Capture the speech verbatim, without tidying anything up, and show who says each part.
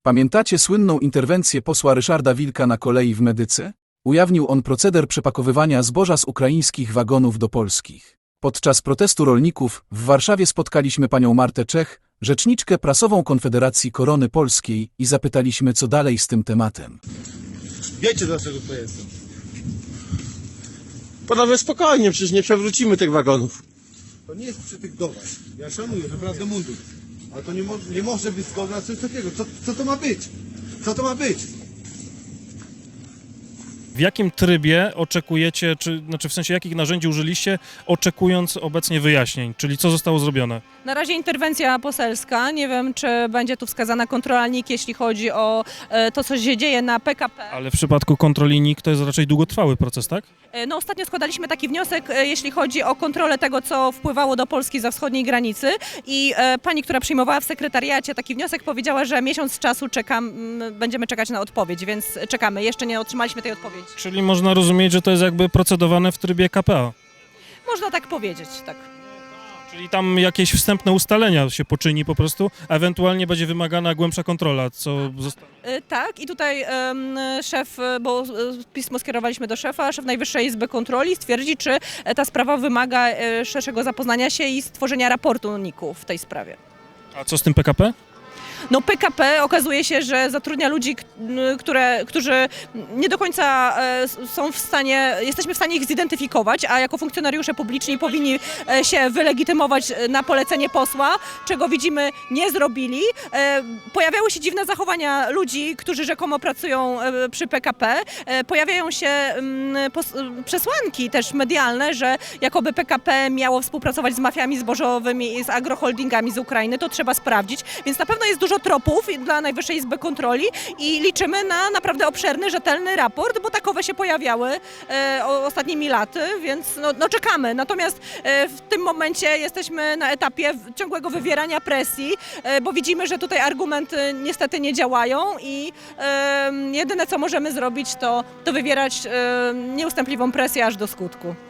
Speaker 1: Pamiętacie słynną interwencję posła Ryszarda Wilka na kolei w Medyce? Ujawnił on proceder przepakowywania zboża z ukraińskich wagonów do polskich. Podczas protestu rolników w Warszawie spotkaliśmy panią Martę Czech, rzeczniczkę prasową Konfederacji Korony Polskiej i zapytaliśmy, co dalej z tym tematem.
Speaker 2: Wiecie, dlaczego to jest? Panowie, spokojnie, przecież nie przewrócimy tych wagonów.
Speaker 3: To nie jest przy tych domach. Ja szanuję, naprawdę mundur. Ale to nie, mo nie może być zgoda na coś takiego. Co, co to ma być? Co to ma być?
Speaker 4: W jakim trybie oczekujecie, czy znaczy w sensie jakich narzędzi użyliście, oczekując obecnie wyjaśnień, czyli co zostało zrobione?
Speaker 5: Na razie interwencja poselska. Nie wiem, czy będzie tu wskazana kontrola N I K, jeśli chodzi o e, to, co się dzieje na P K P.
Speaker 4: Ale w przypadku kontroli N I K to jest raczej długotrwały proces, tak?
Speaker 5: E, No, ostatnio składaliśmy taki wniosek, e, jeśli chodzi o kontrolę tego, co wpływało do Polski za wschodniej granicy i e, pani, która przyjmowała w sekretariacie taki wniosek, powiedziała, że miesiąc czasu czekam, m, będziemy czekać na odpowiedź, więc czekamy. Jeszcze nie otrzymaliśmy tej odpowiedzi.
Speaker 4: Czyli można rozumieć, że to jest jakby procedowane w trybie K P A.
Speaker 5: Można tak powiedzieć, tak.
Speaker 4: Czyli tam jakieś wstępne ustalenia się poczyni po prostu, a ewentualnie będzie wymagana głębsza kontrola, co zostało.
Speaker 5: E, Tak, i tutaj em, szef, e, bo e, pismo skierowaliśmy do szefa, szef Najwyższej Izby Kontroli stwierdzi, czy e, ta sprawa wymaga e, szerszego zapoznania się i stworzenia raportu N I K-u w tej sprawie.
Speaker 4: A co z tym P K P?
Speaker 5: No P K P okazuje się, że zatrudnia ludzi, k- które, którzy nie do końca e, s- są w stanie, jesteśmy w stanie ich zidentyfikować, a jako funkcjonariusze publiczni powinni e, się wylegitymować e, na polecenie posła, czego widzimy nie zrobili. E, Pojawiały się dziwne zachowania ludzi, którzy rzekomo pracują e, przy P K P. E, Pojawiają się mm, pos- przesłanki też medialne, że jakoby P K P miało współpracować z mafiami zbożowymi i z agroholdingami z Ukrainy. To trzeba sprawdzić, więc na pewno jest dużo tropów dla Najwyższej Izby Kontroli i liczymy na naprawdę obszerny, rzetelny raport, bo takowe się pojawiały e, o- ostatnimi laty, więc no, no czekamy. Natomiast e, w tym momencie jesteśmy na etapie w- ciągłego wywierania presji, e, bo widzimy, że tutaj argumenty niestety nie działają i e, jedyne co możemy zrobić to, to wywierać e, nieustępliwą presję aż do skutku.